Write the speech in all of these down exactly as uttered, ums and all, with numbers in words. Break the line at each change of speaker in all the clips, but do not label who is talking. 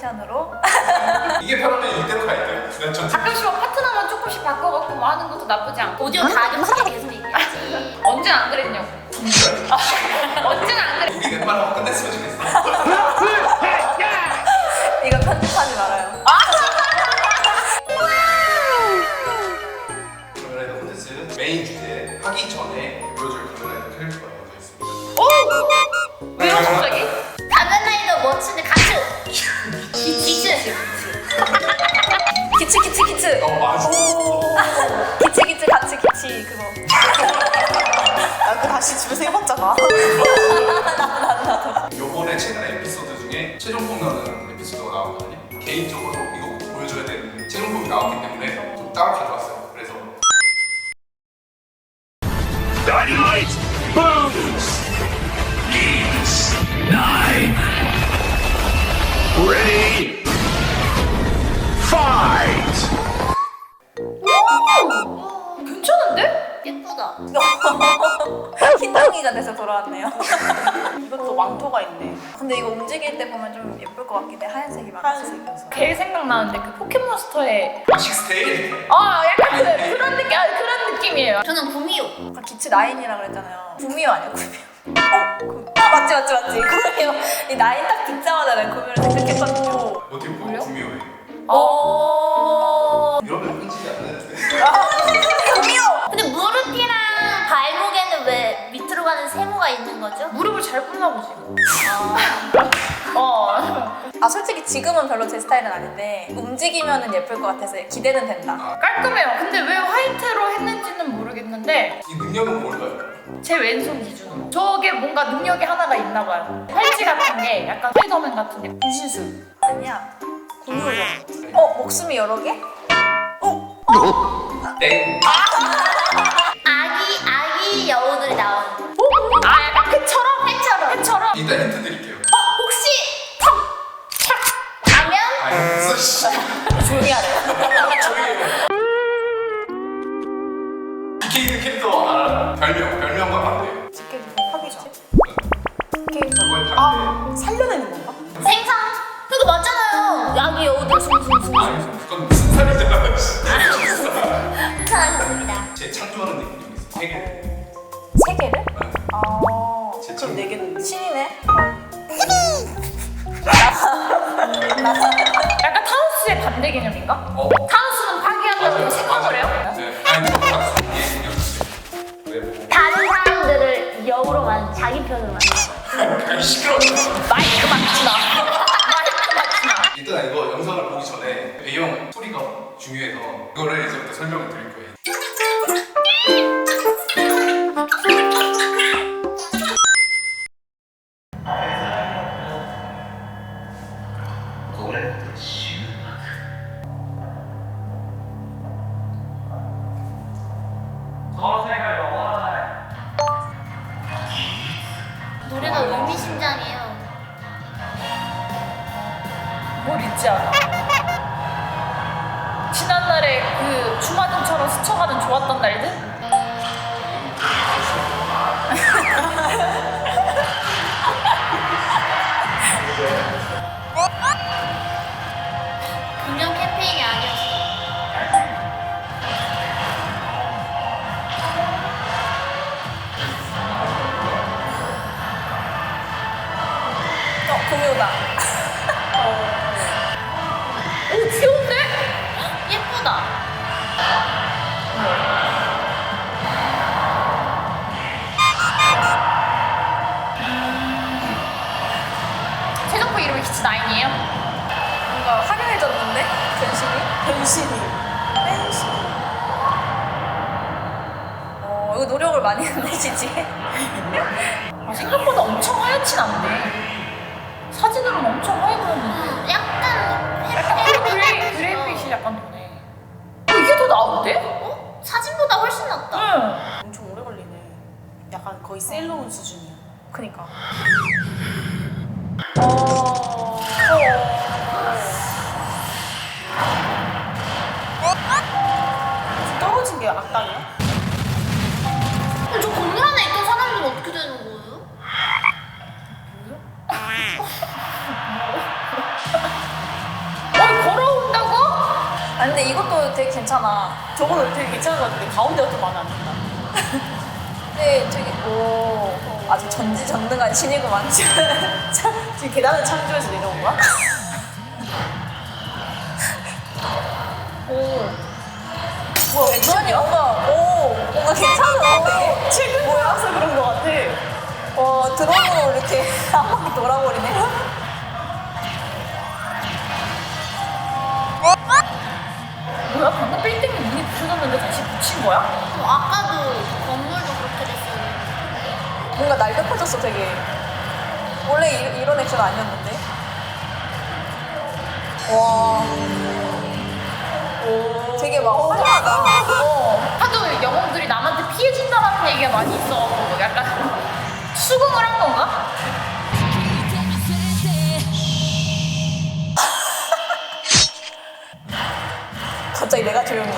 편으로.
이게 편하면 이대로 가야 돼요. 지난주
가끔씩 막 파트너만 조금씩 바꿔갖고 뭐 하는 것도 나쁘지 않고.
오디오 가끔씩 계속 얘기하지.
언제는 안 그랬냐고. 언제는 안 그랬.
우리 웬만하면 끝냈으면 좋겠어.
이거 편집하지 말아요.
카메라이더 콘텐츠 메인 주제 하기 전에 보여줄 카메라이더 캐릭터가 먼저 있습니다.
오! 왜요 갑자기?
가면라이더 멋지네 가츠. 기츠.
기츠 기츠 기츠.
어 맞아.
기츠 기츠 같이 기치 그거. 아, 그 다시 집에서 해봤잖아.
요번에 최근 에피소드 중에 최종품 나오는 에피소드가 나왔거든요. 개인적으로 이거 보여줘야 되는 최종품이 나왔기 때문에 좀 따로 가져왔어요. 그래서
Dynamite booms! Games nine. Ready? Fight!
괜찮은데?
예쁘다.
흰둥이가 돼서 돌아왔네요. 이것도 왕토가 있네. 근데 이거 움직일 때 보면 좀 예쁠 것 같긴 해. 하얀색이 많아서. 하얀색이어서.
걔 생각나는데 그 포켓몬스터의
식스테일
아 약간 그, 그런 느낌 아 그런 느낌이에요.
저는 구미호.
아까 기츠 나인이라 그랬잖아요. 구미호 아니야 구미호. 어? 구... 아 맞지 맞지 맞지. 구미호. 이 나인 딱 듣자마자 내가 구미호를 생각했거든요.
어떻게 보면 구미호예요.
어.
이러면 편집이 안 되는데.
구미호.
근데 무릎이랑 발목에는 왜 밑으로 가는 세모가 있는 거죠?
무릎을 잘 꿇나 보지. 어.
아 솔직히 지금은 별로 제 스타일은 아닌데 움직이면은 예쁠 것 같아서 기대는 된다.
깔끔해요. 근데 왜 화이트로 했는지는 모르겠는데
이 능력은 뭘까요?
제 왼손 기준으로 저게 뭔가 능력이 하나가 있나 봐요. 팔찌 같은 게 약간 스파이더맨 같은 게 분신술.
아니야. 구미호죠. 어 목숨이 여러 개? 어?
땡.
아기 아기 여우들이 나오는.
아 약간 회처럼?
회처럼.
회처럼?
일단 힌트 드릴게요.
어 혹시 턱 가면?
아니 무슨 씨.
조용히 하래.
조용히 해. 비케이드 캐릭터 알아? 별명 별명과 반대예요.
지켜주세요. 하기죠. 캐릭터.
그거의 반대.
아 살려내는 건가?
생선. 그거 맞잖아요. 아기 여우들 숭숭숭.
아니 그건 무슨 살이잖아.
괜찮았습니다.
제 창조하는 느낌이 있어. 세 개.
세 개를? 아.
제
그럼 네 개는 신이네.
약간 타우스의 반대 개념인가?
어.
타우스는 파괴한다고
맞아요.
생각을 해요?
맞아요. 네. 아니 그거 다 예, 신경 쓰세요. 왜 뭐?
다른 사람들을 여우로 만 자기 편으로 만든.
아니 시끄러워.
마이크 맞추나? 마이크 맞추나?
일단 이거 영상을 보기 전에 배경 소리가 중요해서 이거를 이제부터 설명을 드릴 거예요.
노래가 의미심장해요.
뭘 잊지 않아? 지난날에 그 주마등처럼 스쳐가는 좋았던 날들?
금연 캠페인이 아니었어.
어 구미호다.
오 귀여운데?
예쁘다.
최종부 이름이 기츠나인이에요?
뭔가 화려해졌는데 변신이? 변신이. 변신. 어 이거 노력을 많이 했네 지지.
아, 생각보다 엄청 하얗진 않네. 사진으로는 엄청 하얘 보였는데.
약간
약간
페-
그레이,
페-
그레이빛이 약간 도네. 어, 이게 더 나은데?
어? 사진보다 훨씬 낫다.
응.
엄청 오래 걸리네. 약간 거의 셀러온 수준이야. 그니까. 어. 떨어진 게 악당이야?
어, 저 건물 안에 있던 사람들은 어떻게 되는 거예요?
아 근데 이것도 되게 괜찮아.
저거는 되게 괜찮은 것 같은데 가운데가 좀 마음에 안 든다.
근데 되게 오 아주 전지전능한 신이구만 지금.
지금 계단을 창조해서 내려온 거야?
오. 뭐야 왼쪽이 뭔가 오 뭔가 괜찮아.
최근 거라서 그런 것 같아.
어 드론으로 이렇게 한 바퀴 돌아버리네.
뭐야 방금 빌딩이 문이 부서졌는데 다시 붙인 거야?
어, 아까도 건물도 그렇게 됐어요.
뭔가 날렵해졌어 되게. 원래 이, 이런 액션 아니었는데. 와. 오. 되게 막 화려하다. 어.
하도 영웅들이 남한테 피해준다라는 얘기가 많이 있어갖고 약간 수긍을 한 건가?
갑자기 내가 조용해.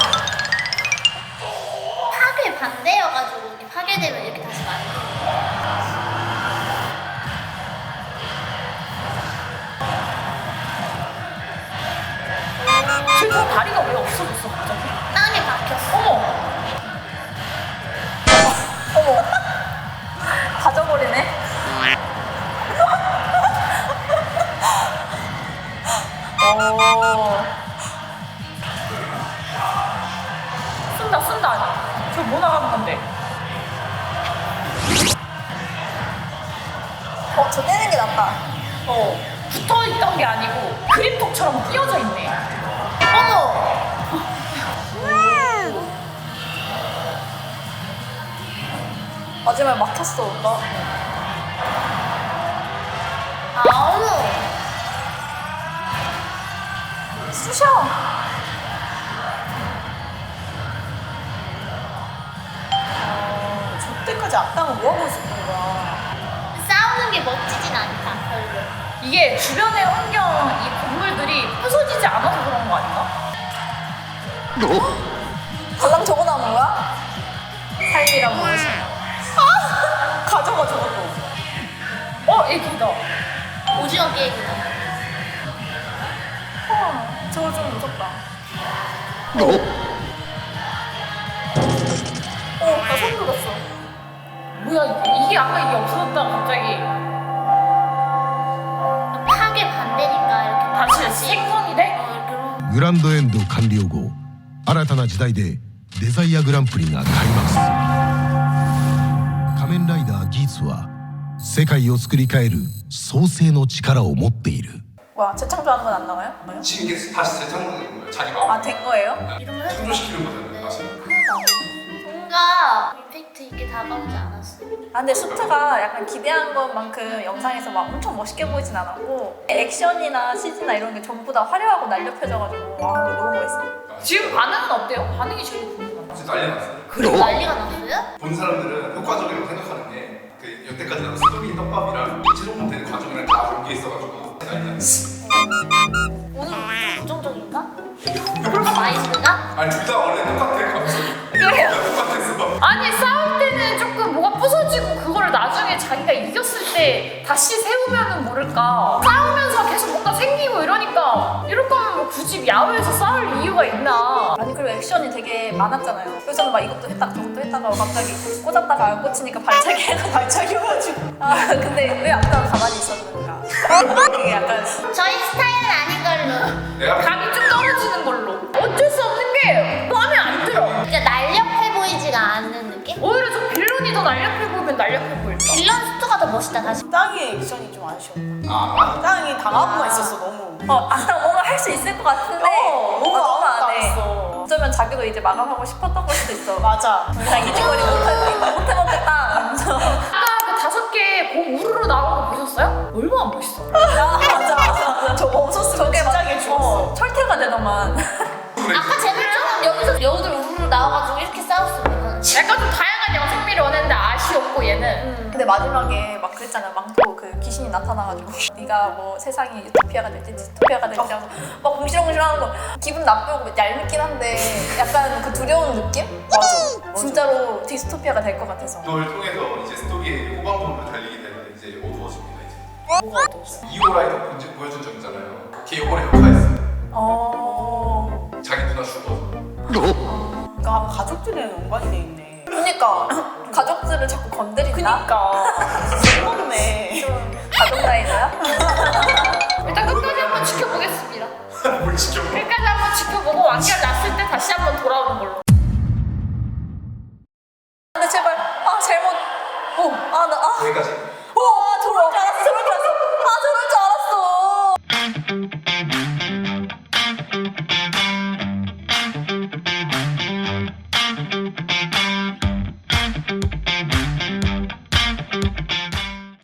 파괴 반대여가지고 이렇게 파괴되면 이렇게 다시 만들어.
쟤저 다리가 왜 없어졌어 갑자기?
땅에 박혔어.
어머!
어머. 가져버리네. 오.
쓴다 쓴다. 저 뭐 나가는 건데?
어, 저 떼는 게 낫다.
어 붙어있던 게 아니고 그립톡처럼 끼어져 있네.
어머!
마지막에 막혔어. 나.
아, 어머!
쑤셔.
저 때까지 악당은 뭐하고 있었던 거야?
싸우는 게 멋지진 않다, 별로.
이게 주변의 환경, 이 건물들이 부서지지 않아서 그런 거 아닌가?
달랑 저거 나오는 거야? 삶이란 무엇이냐?
아! 가져가 저것도. 어, 얘기다.
오징어 게임이다.
어, 저거 좀 무섭다. 어, 나 소름 돋았어.
뭐야 이게? 이게 아까 이게 없어졌다가 갑자기
파괴 반대니까 이렇게
다시 생성이 돼?
어, 이렇게 로-
グランドエンド完了後新たな時代でデザイアグランプリが開幕する仮面ライダーギーツは世界を作り変える創世の力を持っている
뭐야, 재창조하는 건 안 나와요? 뭐요?
지금 이게 다시 재창조되는 거예요. 자기가
아, 된 거예요?
이러면 해도
창조시키는 거잖아요. 다시.
뭔가 임팩트 있게 다가오지 않았어.
아, 근데 수트가 약간 기대한 것만큼 영상에서 막 엄청 멋있게 보이진 않았고 액션이나 씨지나 이런 게 전부 다 화려하고 날렵해져가지고 와, 이거 너무 멋있어.
지금 반응은 어때요? 반응이 제일 궁금하다.
지금 난리 났어요.
그리고 난리가 났어요?
본 사람들은 효과적이라고 생각하는 게 그 여태까지 나온 스토리 떡밥이랑 최종 되는 과정이랑 다 담겨 있어가지고 난리 났어요.
오늘 부정적인가? 마인드가?
아니 둘 다 원래 똑같아 감성이.
그래요?
똑같았어.
아니 싸울 때는 조금 뭐가 부서지고 그거를 나중에 자기가 이겼을 때 다시 세우면은 모를까. 싸우면서 계속 뭔가 생기고 이러니까 이럴 거면 뭐 굳이 야외에서 싸울 이유가 있나.
아니 그리고 액션이 되게 많았잖아요. 그래서 저는 막 이것도 했다가 저것도 했다가 갑자기 꽂았다가 안 꽂히니까 발차기 해서 발차기여가지고 아 근데 왜 아까 가만히 있었는가. 이게 약간
저희 스타일은 아닌 걸로.
내가
감이 좀 떨어지는 걸로. 어쩔 수 없는 게 마음에 안 들어.
그러니까 날렵해 보이지가 않는 느낌?
오히려 좀 빌런이 더 날렵해 보이면 날렵해 보일까?
빌런 스투가 더 멋있다 다시.
땅의 액션이 좀 아쉬웠다.
아
땅이 당하고만 있었어 너무.
어 아까 뭔가 할 수 있을 것 같은데
어, 너무
아, 너무
아무것도
안
안
해.
했어.
어쩌면 자기도 이제 마감하고 싶었던 걸 수도 있어.
맞아.
그냥 이직거리 못해 못해먹겠다. 이러면서.
아까 그 다섯 개 공 우르르 나온 거 보셨어요? 얼마나 멋있어.
아 맞아 맞아 맞아. 저거 없었으면 저게 막
진작에 죽었어.
어, 철퇴가 되더만.
아까 쟤들처럼 여기서 여우들 우르르 나와가지고 이렇게 싸웠으면
약간 좀 다양한 영상미를 원했는데 아쉬웠고 얘는.
근데 마지막에 막 그랬잖아. 망토 그 귀신이 나타나가지고 네가 뭐 세상이 유토피아가 될지 디스토피아가 될지 하면서 막 궁시렁궁시렁하는 거 기분 나쁘고 얄밉긴 한데 약간 그 두려운 느낌? 맞아. 진짜로 디스토피아가 될 것 같아서.
이걸 통해서 이제 스토리의 후반부로 달리게 되는데 이제 어두워집니다 이제.
뭐가 어두웠어?
이오라이더 보여준 적 있잖아요. 걔 요번에 효과했어요.
어.
그러니까 가족들이랑 연관이 돼 있네.
그니까 가족들을 자꾸 건드린다?
그니까 무섭네.
가족 라이너야?
일단 끝까지 한번 지켜보겠습니다.
뭘 지켜봐.
끝까지 한번 지켜보고 완결 났을 때 다시 한번 돌아오는 걸로.